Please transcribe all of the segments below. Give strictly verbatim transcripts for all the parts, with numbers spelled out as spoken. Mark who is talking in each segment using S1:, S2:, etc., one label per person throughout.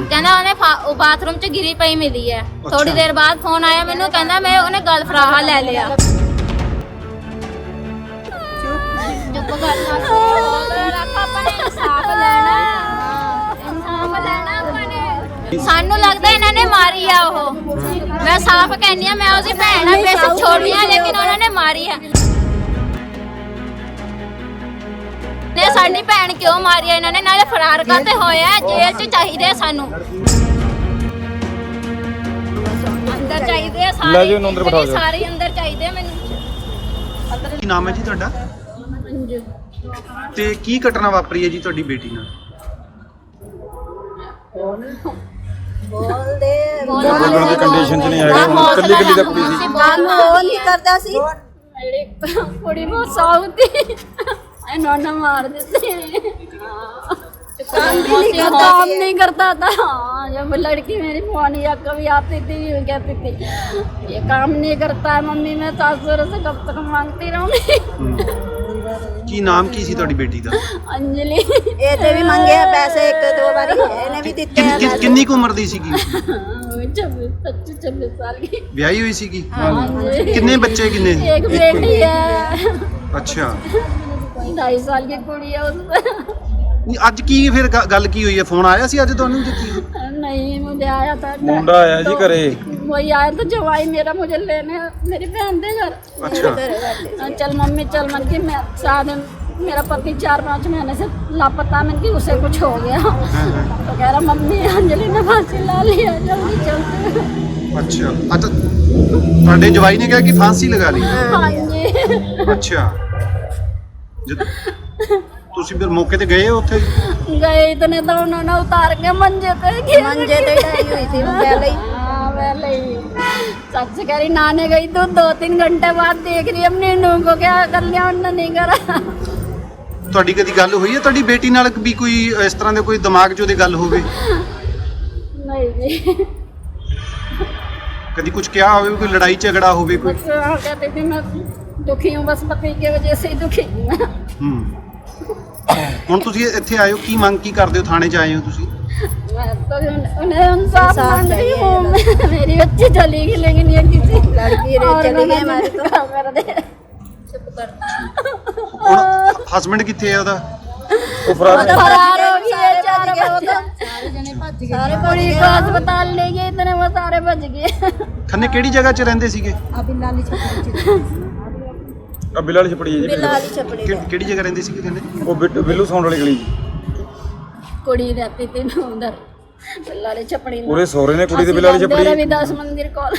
S1: कहना उन्हें बाथरूम च गिरी पई मिली है। थोड़ी देर बाद फोन आया मैनू कहना मैं उन्हें गल फराहा ले लिया। चुप कर इंसाफ लेना इंसाफ लेना सानू लगता इन्होंने मारी है। वो मैं साफ कहनी मैं उसकी भैन है बेशक छोटी है लेकिन उन्होंने मारी है। ने साडी भैन क्यों मारी है इन्होंने नाले फरार करते होया जेल च चाहिए सानू अंदर चाहिए सारे सारे अंदर चाहिए मैनू।
S2: ਕੀ ਨਾਮ ਹੈ ਜੀ ਤੁਹਾਡਾ ਤੇ ਕੀ ਘਟਨਾ ਵਾਪਰੀ ਹੈ ਜੀ ਤੁਹਾਡੀ ਬੇਟੀ ਨਾਲ?
S3: ਬੋਲਦੇ
S4: ਬੋਲਣ ਦੀ ਕੰਡੀਸ਼ਨ 'ਚ ਨਹੀਂ ਹੈਗਾ ਹੁਣ ਕੱਲੀ ਕੱਲੀ ਦਾ ਕੁੜੀ ਸੀ
S3: ਕੰਮ ਉਹ ਨਹੀਂ ਕਰਦਾ ਸੀ
S1: ਕੁੜੀ ਬਹੁਤ ਸਾਊਦੀ ਇਹਨਾਂ ਨੇ ਮਾਰ ਦਿੱਤੇ। काम भी नहीं करता काम नहीं करता था। जब लड़की मेरी फोन या कभी आती थी कहती थी ये काम नहीं करता है मम्मी मैं सासुर से कब तक मांगती रहूंगी।
S2: ਕੀ ਨਾਮ ਕੀ ਸੀ ਤੁਹਾਡੀ ਬੇਟੀ ਦਾ?
S1: अंजलि
S3: ਇਹ ਤੇ ਵੀ ਮੰਗੇ ਆ ਪੈਸੇ ਇੱਕ ਦੋ ਵਾਰੀ ਇਹਨੇ ਵੀ ਦਿੱਤੇ
S2: ਕਿੰਨ- ਕਿੰਨ- ਕਿੰਨੀ ਕੁ ਉਮਰ ਦੀ ਸੀਗੀ?
S1: छब्बीस पच्चीस छब्बीस साल की।
S2: ਵਿਆਹੀ ਹੋਈ ਸੀਗੀ?
S1: हाँ जी।
S2: ਕਿੰਨੇ ਬੱਚੇ ਕਿੰਨੇ?
S1: एक बेटी है
S2: ਅੱਛਾ
S1: ढाई साल की कुड़ी है उसमें।
S2: ਨਹੀਂ ਅੱਜ ਕੀ ਫਿਰ ਗ- ਗੱਲ ਕੀ ਹੋਈ ਹੈ? ਫੋਨ ਆਇਆ ਸੀ ਅੱਜ ਤੁਹਾਨੂੰ ਜੀ ਕੀ?
S1: नहीं मुझे आया था
S4: ਮੁੰਡਾ ਆਇਆ ਜੀ ਘਰੇ
S1: वही आया तो जवाई मेरा मुझे लेने मेरी बहन दे घर।
S2: ਅੱਛਾ
S1: चल मम्मी चल मन की मैं साथ मेरा पति चार पाँच महीने से लापता मन की उसे कुछ हो गया तो कह रहा मम्मी अंजलि ने फांसी ला लिया जल्दी चलते।
S2: ਅੱਛਾ ਅੱਛਾ ਤੁਹਾਡੇ ਜਵਾਈ ਨੇ ਕਿਹਾ ਕਿ ਫਾਂਸੀ ਲਗਾ ਲਈ?
S1: हाँ जी।
S2: ਅੱਛਾ ਜਦ ਤੁਸੀਂ ਫਿਰ ਮੌਕੇ ਤੇ ਗਏ ਉੱਥੇ?
S1: गए इतने तो उन्होंने उतार के मंजे पे गिर
S3: ਮੰਜੇ ਤੇ ਢਾਈ ਹੋਈ ਸੀ ਪਹਿਲੇ ਹੀ।
S1: हाँ पहले ही सच कह रही नहाने गई तो दो तीन घंटे बाद देख रही अपनी नूह को क्या कर लिया उन्होंने नहीं करा।
S2: ਤੁਹਾਡੀ ਕਦੀ ਗੱਲ ਹੋਈ ਹੈ ਤੁਹਾਡੀ ਬੇਟੀ ਨਾਲ ਵੀ ਕੋਈ ਇਸ ਤਰ੍ਹਾਂ ਦੇ ਕੋਈ ਦਿਮਾਗ 'ਚ ਉਹਦੇ ਗੱਲ ਹੋਵੇ?
S1: नहीं जी
S2: ਕਦੀ ਕੁਝ ਕਿਹਾ ਹੋਵੇ ਕੋਈ ਲੜਾਈ ਝਗੜਾ ਹੋਵੇ ਕੋਈ?
S1: बस हाँ, कहती थी मैं दुखी हूँ बस पति की वजह से ही दुखी हूँ मैं।
S2: ਹੂੰ ਹੁਣ ਤੁਸੀਂ ਇੱਥੇ ਆਏ ਹੋ ਕੀ ਮੰਗ ਕੀ ਕਰਦੇ ਹੋ? ਥਾਣੇ 'ਚ ਆਏ ਹੋ ਤੁਸੀਂ?
S1: मैं तो उन- उन्हें इंसाफ
S3: इंसाफ
S1: मांग रही
S3: चाहिए।
S1: हूँ मैं- मेरी बच्ची चली गई लेकिन ये किसी
S3: लड़की रे
S1: और
S3: चली
S1: मैंने
S3: गई हमारी तो।
S1: क्या कर दे।
S2: ਹੁਣ ਹਸਬੰਡ ਕਿੱਥੇ ਹੈ ਉਹਦਾ?
S4: ਉਹ ਫਰਾਰ
S1: फरार हो गई है चार
S3: गए वो तो।
S1: बजे
S3: ਸਾਰੇ
S1: कुड़ी को अस्पताल ले गए इतने वो सारे बच गए।
S2: ਖੰਨੇ ਕਿਹੜੀ ਜਗ੍ਹਾ 'ਚ ਰਹਿੰਦੇ ਸੀਗੇ?
S4: ਆ ਬਿੱਲ ਵਾਲੀ ਛਪੜੀ ਹੈ ਜੀ
S3: ਬਿੱਲ ਵਾਲੀ ਛਪੜੀ
S2: ਕਿ- ਕਿਹੜੀ ਜਗ੍ਹਾ ਰਹਿੰਦੇ ਸੀਗੇ ਖੰਨੇ?
S4: ਉਹ ਬਿੱਟ- ਬਿੱਲੂ ਸੌਂਡ ਵਾਲੀ ਗਲੀ ਜੀ
S1: कुड़ी रहती थी ना उधर बिल्लारी छपड़ी में।
S4: ਉਹਦੇ ਸਹੁਰੇ ਨੇ ਕੁੜੀ ਦੇ ਬਿੱਲ ਵਾਲੀ
S1: ਅਸੀਂ
S4: ਛਪੜੀ
S1: रविदास मंदिर कॉल।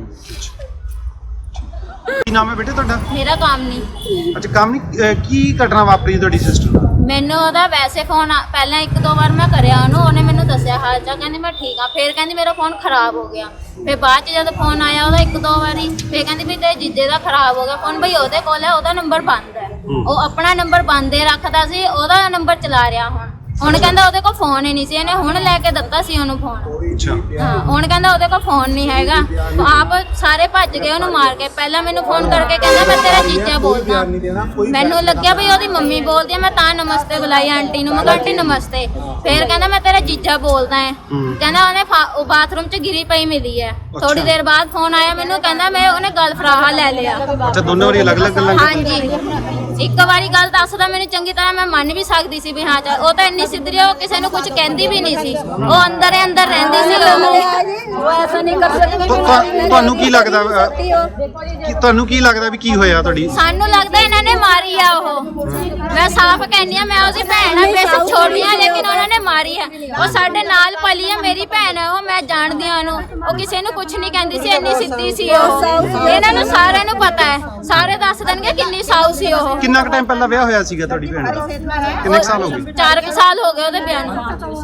S2: ਕੀ ਨਾਮ ਹੈ ਬੇਟੇ ਤੁਹਾਡਾ?
S1: मेरा काम नहीं
S2: ਅੱਛਾ ਕੰਮ ਨਹੀਂ ਅਹ ਕੀ ਘਟਨਾ ਵਾਪਰੀ ਤੁਹਾਡੀ ਸਿਸਟਰ ਨਾਲ?
S1: ਮੈਨੂੰ ਉਹਦਾ ਵੈਸੇ ਫੋਨ ਪਹਿਲਾਂ ਇੱਕ ਦੋ ਵਾਰ ਮੈਂ ਕਰਿਆ ਉਹਨੂੰ ਉਹਨੇ ਮੈਨੂੰ ਦੱਸਿਆ ਹਾਲ ਚਾਲ ਕਹਿੰਦੀ ਮੈਂ ਠੀਕ ਆ ਫਿਰ ਕਹਿੰਦੀ ਮੇਰਾ ਫੋਨ ਖਰਾਬ ਹੋ ਗਿਆ ਫਿਰ ਬਾਅਦ ਚ ਜਦ ਫੋਨ ਆਇਆ ਉਹਦਾ ਇੱਕ ਦੋ ਵਾਰੀ ਫਿਰ ਕਹਿੰਦੀ ਵੀ ਤੇਰੇ ਜੀਜੇ ਦਾ ਖਰਾਬ ਹੋ ਗਿਆ ਫੋਨ ਬਈ ਉਹਦੇ ਕੋਲ ਹੈ ਉਹਦਾ ਨੰਬਰ ਬੰਦ ਹੈ ਉਹ ਆਪਣਾ ਨੰਬਰ ਬੰਦ ਹੀ ਰੱਖਦਾ ਸੀ ਉਹਦਾ ਨੰਬਰ ਚਲਾ ਰਿਹਾ ਹੁਣ ਹੁਣ ਕਹਿੰਦਾ ਉਹਦੇ ਕੋਲ ਫੋਨ ਹੀ ਨਹੀਂ ਸੀ ਇਹਨੇ ਹੁਣ ਲੈ ਕੇ ਦਿੱਤਾ ਸੀ ਉਹਨੂੰ ਫੋਨ
S2: ਅੱਛਾ
S1: ਹਾਂ ਹੁਣ ਕਹਿੰਦਾ ਉਹਦੇ ਕੋਲ ਫੋਨ ਨਹੀਂ ਹੈਗਾ ਆਪ ਸਾਰੇ ਭੱਜ ਗਏ ਉਹਨੂੰ ਮਾਰ ਕੇ ਪਹਿਲਾਂ ਮੈਨੂੰ ਫੋਨ ਕਰਕੇ ਕਹਿੰਦਾ ਮੈਂ ਤੇਰਾ ਜੀਜਾ ਬੋਲਦਾ ਮੈਨੂੰ ਲੱਗਿਆ ਵੀ ਉਹਦੀ ਮੰਮੀ ਬੋਲਦੀ ਆ ਮੈਂ ਤਾਂ ਨਮਸਤੇ ਬੁਲਾਈ ਆਂਟੀ ਨੂੰ ਮੈਂ ਕਿਹਾ ਆਂਟੀ ਨਮਸਤੇ ਫਿਰ ਕਹਿੰਦਾ ਮੈਂ ਤੇਰਾ ਜੀਜਾ ਬੋਲਦਾ ਹੈ ਕਹਿੰਦਾ ਉਹਨੇ ਉਹ ਬਾਥਰੂਮ 'ਚ ਗਿਰੀ ਪਈ ਮਿਲੀ ਹੈ ਥੋੜੀ ਦੇਰ ਬਾਅਦ ਫੋਨ ਆਇਆ ਮੈਨੂੰ ਕਹਿੰਦਾ ਮੈਂ ਉਹਨੇ ਗਲ ਫਰਾਹਾ ਲੈ ਲਿਆ
S2: ਅੱਛਾ ਦੋਨੋਂ ਵਾਰੀ ਅਲੱਗ-ਅਲੱਗ ਗੱਲਾਂ
S1: ਹਾਂਜੀ ਇੱਕ ਵਾਰੀ ਗੱਲ ਦੱਸਦਾ ਮੈਨੂੰ ਚੰਗੀ ਤਰ੍ਹਾਂ ਮੈਂ ਮੰਨ ਵੀ ਸਕਦੀ ਸੀ ਵੀ ਹਾਂ ਚੱਲ ਉਹ ਤਾਂ ਇੰਨੀ ਸਿੱਧਰੀ ਉਹ ਕਿਸੇ ਨੂੰ ਕੁਝ ਕਹਿੰਦੀ ਵੀ ਨਹੀਂ ਸੀ ਉਹ ਅੰਦਰ ਹੀ ਅੰਦਰ ਰਹਿੰਦੀ ਸੀ ਉਹ ਐਸਾ ਨਹੀਂ ਕਰ ਸਕਦੀ
S2: ਤੁਹਾਨੂੰ ਕੀ ਲੱਗਦਾ ਕਿ ਤੁਹਾਨੂੰ ਕੀ ਲੱਗਦਾ ਵੀ ਕੀ ਹੋਇਆ ਤੁਹਾਡੀ?
S1: ਸਾਨੂੰ ਲੱਗਦਾ ਇਹਨਾਂ ਨੇ ਮਾਰੀ ਆ ਉਹ ਮੈਂ ਸਾਫ਼ ਕਹਿੰਦੀ ਆ ਮੈਂ ਉਹਦੀ ਭੈਣ ਆ ਬੇਸ਼ੱਕ ਛੋਟੀ ਆ ਲੇਕਿਨ ਉਹਨਾਂ ਨੇ ਮਾਰੀ ਆ ਉਹ ਸਾਡੇ ਨਾਲ ਪਲੀ ਆ ਮੇਰੀ ਭੈਣ ਆ ਉਹ ਮੈਂ ਜਾਣਦੀ ਆ ਉਹਨੂੰ ਉਹ ਕਿਸੇ ਨੂੰ ਕੁਝ ਨਹੀਂ ਕਹਿੰਦੀ ਸੀ ਇੰਨੀ ਸਿੱਧੀ ਸੀ ਉਹ ਇਹਨਾਂ ਨੂੰ ਸਾਰਿਆਂ ਨੂੰ ਪਤਾ ਹੈ ਸਾਰੇ ਦੱਸ ਦੇਣਗੇ ਕਿੰਨੀ ਸਾਊ ਸੀ ਉਹ
S2: ਕਿੰਨਾ ਕੁ ਟਾਈਮ ਪਹਿਲਾਂ ਵਿਆਹ ਹੋਇਆ ਸੀਗਾ ਤੁਹਾਡੀ ਭੈਣ ਦਾ? ਕਿੰਨੇ ਕੁ ਸਾਲ ਹੋ ਗਏ?
S1: ਚਾਰ ਕੁ ਸਾਲ ਹੋ ਗਏ ਉਹਦੇ ਵਿਆਹ ਨੂੰ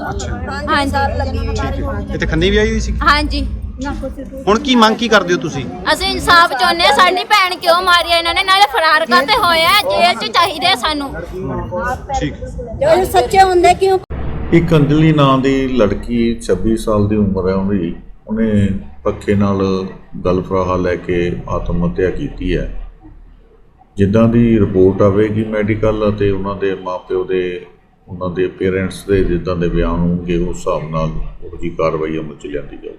S1: ਹਾਂਜੀ
S2: ਇੱਥੇ ਖੰਨੇ ਵੀ ਆਈ ਹੋਈ ਸੀ?
S1: ਹਾਂਜੀ
S2: ਹੁਣ ਕੀ ਮੰਗ ਕੀ ਕਰਦੇ ਹੋ ਤੁਸੀਂ?
S1: ਅਸੀਂ ਇਨਸਾਫ ਚਾਹੁੰਦੇ ਆ ਸਾਡੀ ਭੈਣ ਕਿਉਂ ਮਾਰੀ ਆ ਇਹਨਾਂ ਨੇ ਨਾਲੇ ਫਰਾਰ ਕਰਤੇ ਹੋਏ ਆ ਜੇਲ੍ਹ 'ਚ ਚਾਹੀਦੇ ਆ ਸਾਨੂੰ
S2: ਠੀਕ
S3: ਜੋ ਸੱਚੇ ਹੁੰਦੇ ਕਿਉਂ?
S5: ਇੱਕ ਅੰਜਲੀ ਨਾਂ ਦੀ ਲੜਕੀ ਛੱਬੀ ਸਾਲ ਦੀ ਉਮਰ ਹੈ ਉਹਦੀ ਉਹਨੇ ਪੱਖੇ ਨਾਲ ਗਲ ਫਰਾਹਾ ਲੈ ਕੇ ਆਤਮ ਹੱਤਿਆ ਕੀਤੀ ਹੈ। ਜਿੱਦਾਂ ਦੀ ਰਿਪੋਰਟ ਆਵੇਗੀ ਮੈਡੀਕਲ ਅਤੇ ਉਹਨਾਂ ਦੇ ਮਾਪਿਓ ਦੇ ਉਹਨਾਂ ਦੇ ਪੇਰੈਂਟਸ ਦੇ ਜਿੱਦਾਂ ਦੇ ਬਿਆਨ ਹੋਣਗੇ ਉਸ ਹਿਸਾਬ ਨਾਲ ਉਹ ਜੀ ਕਾਰਵਾਈ ਅਮਲ 'ਚ ਲਿਆਂਦੀ ਜਾਊ।